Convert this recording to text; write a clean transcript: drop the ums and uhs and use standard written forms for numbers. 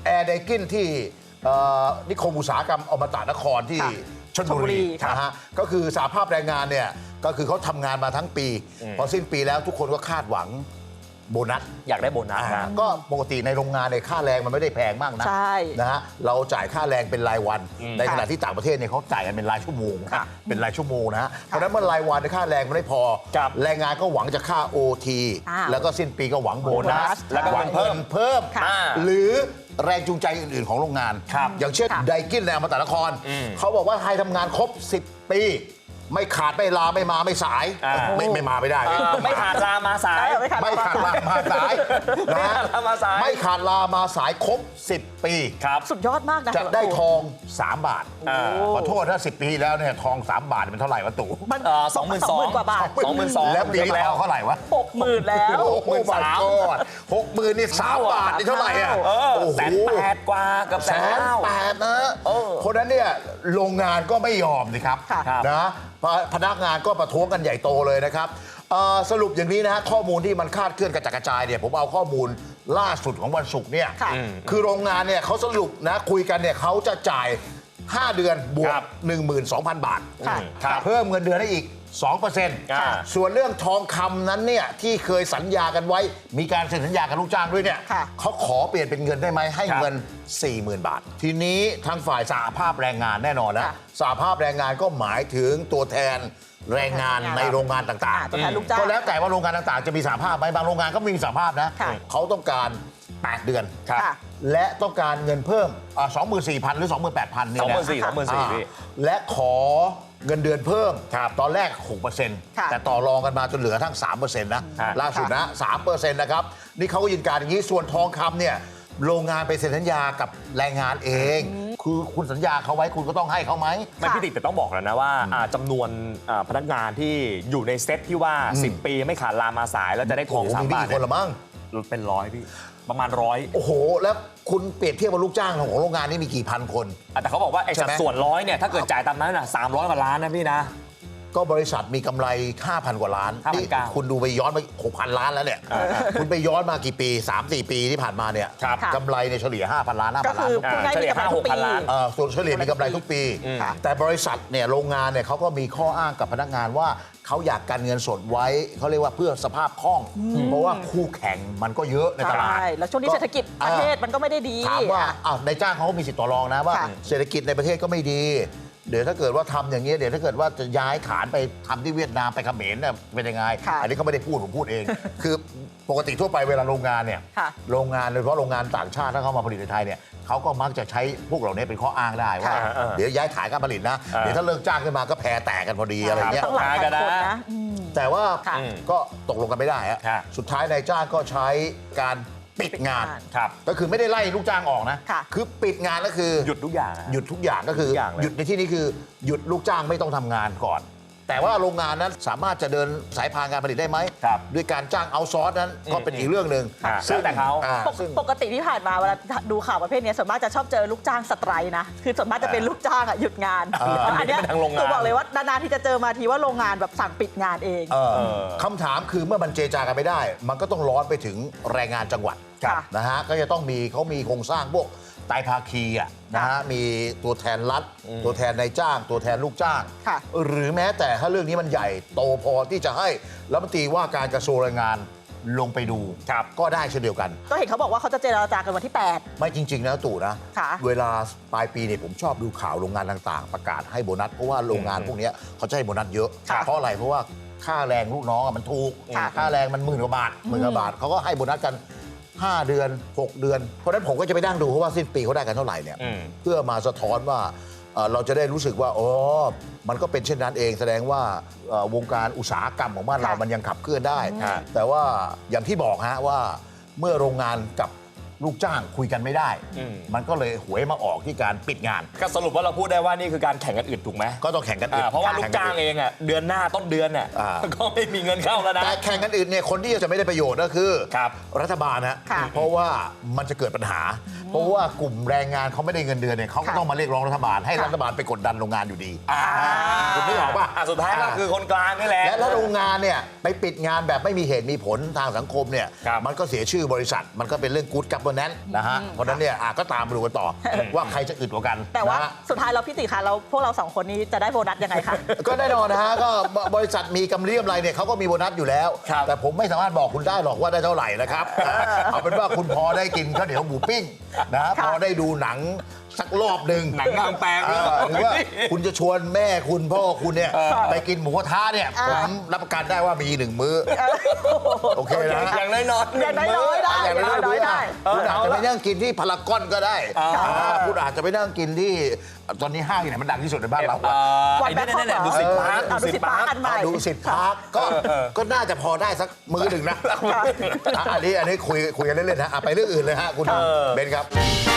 แอร์ไดกินที่นิคมอุตสาหกรรมอมตะนครที่ชลบุรีนะฮะก็คือสหภาพแรงงานเนี่ยก็คือเขาทำงานมาทั้งปีพอสิ้นปีแล้วทุกคนก็คาดหวังโบนัสอยากได้โบนัสนะก็ปกติในโรงงานในค่าแรงมันไม่ได้แพงมากนะนะฮะเราจ่ายค่าแรงเป็นรายวันในขณะที่ต่างประเทศเนี่ยเขาจ่ายกันเป็นรายชั่วโมงเป็นรายชั่วโมงนะฮะเพราะฉะนั้นเมื่อรายวันในค่าแรงมันไม่พอแรงงานก็หวังจะค่า OT แล้วก็สิ้นปีก็หวังโบนัสแล้วก็หวังเพิ่มหรือแรงจูงใจอื่นๆของโรงงานอย่างเช่นไดกินในอมตะนครเขาบอกว่าให้ทำงานครบ10 ปีไม่ขาดไม่ลาไม่มาไม่สายไม่มาไม่ได้ไม่ขาดลามาสายไม่ขาดลามาสายนะไม่ขาดลามาสายครบ10 ปีครับสุดยอดมากนะจะได้ทอง3 บาทขอโทษถ้า10 ปีแล้วเนี่ยทอง3 บาทเป็นเท่าไหร่วะตู่มัน22,000 กว่าบาท 22,000 แล้วปีนี้ทองเท่าไหร่วะ 60,000แล้ว 60,000นี่3 บาทนี่เท่าไหร่อ่ะ 180,000 กว่ากับ 180,000นะคนนั้นเนี่ยโรงงานก็ไม่ยอมสิครับนะพนักงานก็ประท้วงกันใหญ่โตเลยนะครับสรุปอย่างนี้นะฮะข้อมูลที่มันคาดเคลื่อนกระจัดกระจายเนี่ยผมเอาข้อมูลล่าสุดของวันศุกร์เนี่ยคือโรงงานเนี่ยเขาสรุปนะคุยกันเนี่ยเขาจะจ่าย5 เดือนบวก 12,000 บาทเพิ่มเงินเดือนให้อีก 2%ส่วนเรื่องทองคำนั้นเนี่ยที่เคยสัญญากันไว้มีการเซ็นสัญญากับลูกจ้างด้วยเนี่ยเขาขอเปลี่ยนเป็นเงินได้ไหมให้เงิน 40,000 บาททีนี้ทางฝ่ายสหภาพแรงงานแน่นอนนะสหภาพแรงงานก็หมายถึงตัวแทนแรงงานในโรงงานต่างๆก็แล้วแต่ว่าโรงงานต่างๆจะมีสหภาพไหมบางโรงงานก็ไม่มีสหภาพนะเขาต้องการ8 เดือนและต้องการเงินเพิ่ม 24,000 หรือ 28,000 นี่แหละ24,000และขอเงินเดือนเพิ่มตอนแรก 6% แต่ต่อรองกันมาจนเหลือทั้ง 3% นะล่าสุดนะ 3% นะครับนี่เขาก็ยืนการอย่างนี้ส่วนทองคำเนี่ยโรงงานไปเซ็นสัญญากับแรงงานเองคือคุณสัญญาเขาไว้คุณก็ต้องให้เขาไหมไม่พี่ติ๊กแต่ต้องบอกแล้วนะว่าจำนวนพนักงานที่อยู่ในเซตที่ว่า10 ปีไม่ขาดลามาสายแล้วจะได้ทอง3 บาทคนละมั้งเป็น100พี่ประมาณ100 โอ้โหแล้วคุณเปรียบเทียบกับลูกจ้างของโรงงานนี่มีกี่พันคนแต่เขาบอกว่าไอ้สัดส่วน100เนี่ยถ้าเกิดจ่ายตามนั้นน่ะ300 กว่าล้านนะพี่นะก็บริษัทมีกำไร 5,000 กว่าล้านนี่คุณดูไปย้อนไป 6,000 ล้านแล้วเนี่ยคุณไปย้อนมากี่ปี 3-4 ปีที่ผ่านมาเนี่ยกำไรในเฉลี่ย 5,000 ล้าน 5,000 ล้านเฉลี่ย 5-6,000 ล้านส่วนเฉลี่ยมีกำไรทุกปีแต่บริษัทเนี่ยโรงงานเนี่ยเขาก็มีข้ออ้างกับพนักงานว่าเขาอยากการเงินสดไว้เขาเรียกว่าเพื่อสภาพคล่องเพราะว่าคู่แข่งมันก็เยอะในตลาดแล้วช่วงนี้เศรษฐกิจประเทศมันก็ไม่ได้ดีถามว่าในจ้างเขาก็มีสิทธิ์ต่อรองนะว่าเศรษฐกิจในประเทศก็ไม่ดีเดี๋ยวถ้าเกิดว่าทำอย่างนี้เดี๋ยวถ้าเกิดว่าจะย้ายฐานไปทำที่เวียดนามไปเขมรเนี่ยเป็นยังไงอันนี้เขาไม่ได้พูดผมพูดเองคือปกติทั่วไปเวลาโรงงานเนี่ยโรงงานโดยเฉพาะโรงงานต่างชาติถ้าเขามาผลิตในไทยเนี่ยเขาก็มักจะใช้พวกเหล่านี้เป็นข้ออ้างได้ว่าเดี๋ยวย้ายฐานการผลิตนะเดี๋ยวถ้าเลิกจ้างขึ้นมาก็แพรแตกกันพอดีอะไรเงี้ยแต่ว่าก็ตกลงกันไม่ได้ฮะสุดท้ายนายจ้างก็ใช้การปิดงานก็คือไม่ได้ไล่ลูกจ้างออกนะคือปิดงานก็คือหยุดทุกอย่างก็คือหยุดในที่นี้คือหยุดลูกจ้างไม่ต้องทำงานก่อนแต่ว่าโรงงานนั้นสามารถจะเดินสายพานการผลิตได้ไหมด้วยการจ้างเอาซอร์สนั้นก็เป็นอีกเรื่องหนึ่งซึ่งแต่เขาปกติที่ผ่านมาเวลาดูข่าวประเภทนี้ส่วนมากจะชอบเจอลูกจ้างสไตรค์นะคือส่วนมากจะเป็นลูกจ้างหยุดงานอันนี้ตัวบอกเลยว่านานๆที่จะเจอมาทีว่าโรงงานแบบสั่งปิดงานเองคำถามคือเมื่อมันเจรจากันไม่ได้มันก็ต้องร้อนไปถึงแรงงานจังหวัดนะฮะก็จะต้องมีเขามีโครงสร้างพวกไตรภาคีนะฮะมีตัวแทนรัฐตัวแทนนายจ้างตัวแทนลูกจ้างหรือแม้แต่ถ้าเรื่องนี้มันใหญ่โตพอที่จะให้รัฐมนตรีว่าการกระทรวงแรงงานลงไปดูก็ได้เช่นเดียวกันก็เห็นเขาบอกว่าเขาจะเจรจากันวันที่8 ไม่จริงๆนะตู่นะเวลาปลายปีเนี่ยผมชอบดูข่าวโรงงานต่างๆประกาศให้โบนัสเพราะว่าโรงงานพวกนี้เขาจะให้โบนัสเยอะเพราะอะไรเพราะว่าค่าแรงลูกน้องมันถูกค่าแรงมัน10,000 กว่าบาทเขาก็ให้โบนัสกัน5 เดือน 6 เดือนเพราะฉะนั้นผมก็จะไปนั่งดูเพราะว่าสิ้นปีเขาได้กันเท่าไหร่เนี่ยเพื่อมาสะท้อนว่าเราจะได้รู้สึกว่าอ๋อมันก็เป็นเช่นนั้นเองแสดงว่าวงการอุตสาหกรรมของบ้านเรามันยังขับเคลื่อนได้แต่ว่าอย่างที่บอกฮะว่าเมื่อโรงงานกับลูกจ้างคุยกันไม่ได้มันก็เลยหวยมาออกที่การปิดงานก็สรุปว่าเราพูดได้ว่านี่คือการแข่งกันอึดถูกไหมก็ต้องแข่งกันอึดเพราะว่าลูกจ้างเองเดือนหน้าต้นเดือนก็ไม่มีเงินเข้าแล้วนะแต่แข่งกันอึดเนี่ยคนที่จะไม่ได้ประโยชน์ก็คือรัฐบาลนะเพราะว่ามันจะเกิดปัญหาเพราะว่ากลุ่มแรงงานเขาไม่ได้เงินเดือนเนี่ยเขาก็ต้องมาเรียกร้องรัฐบาลให้รัฐบาลไปกดดันโรงงานอยู่ดีคุณไม่บอกป่ะสุดท้ายก็คือคนกลางนี่แหละและถ้าโรงงานเนี่ยไปปิดงานแบบไม่มีเหตุมีผลทางสังคมเนี่ยมันก็เสียชื่อบริษัทมันก็เป็นเรื่องกู๊ดกับโบนัสนะฮะเพราะฉะนั้นเนี่ยก็ตามดูกันต่อว่าใครจะอึดกว่ากันแต่ว่านะฮะสุดท้ายเราพี่ติคะเราพวกเรา2คนนี้จะได้โบนัสยังไงคะก็แน่นอนนะฮะก็บริษัทมีกำไรอะไรเนี่ยเขาก็มีโบนัสอยู่แล้วครับแต่ผมไม่สามารถบอกคุณได้หรอกว่าได้เท่าไหร่นะครับเอาเป็นว่าคุณพอได้กินข้าวเหนียวหมูปิ้งนะค่ะพอได้ดูหนังสักรอบหนึ่งหนังกลางแปลงหรือว่าคุณจะชวนแม่คุณพ่อคุณเนี่ยไปกินหมูกระทะเนี่ยผมรับประกันได้ว่ามี1 มื้อโอเคนะอย่างน้อยๆอย่างน้อยๆได้อย่างน้อยๆได้คุณอาจจะไปนั่งกินที่พารากอนก็ได้คุณอาจจะไปนั่งกินที่ตอนนี้ห้างไหนมันดังที่สุดในบ้านเราวันแบงคอกเหรอดูสิพาร์คดูสิพาร์คอันใหม่ดูสิทธิ์พาร์คก็น่าจะพอได้สักมื้อหนึ่งนะอันนี้คุยกันเล่นๆนะไปเรื่องอื่นเลยฮะคุณเบนครับ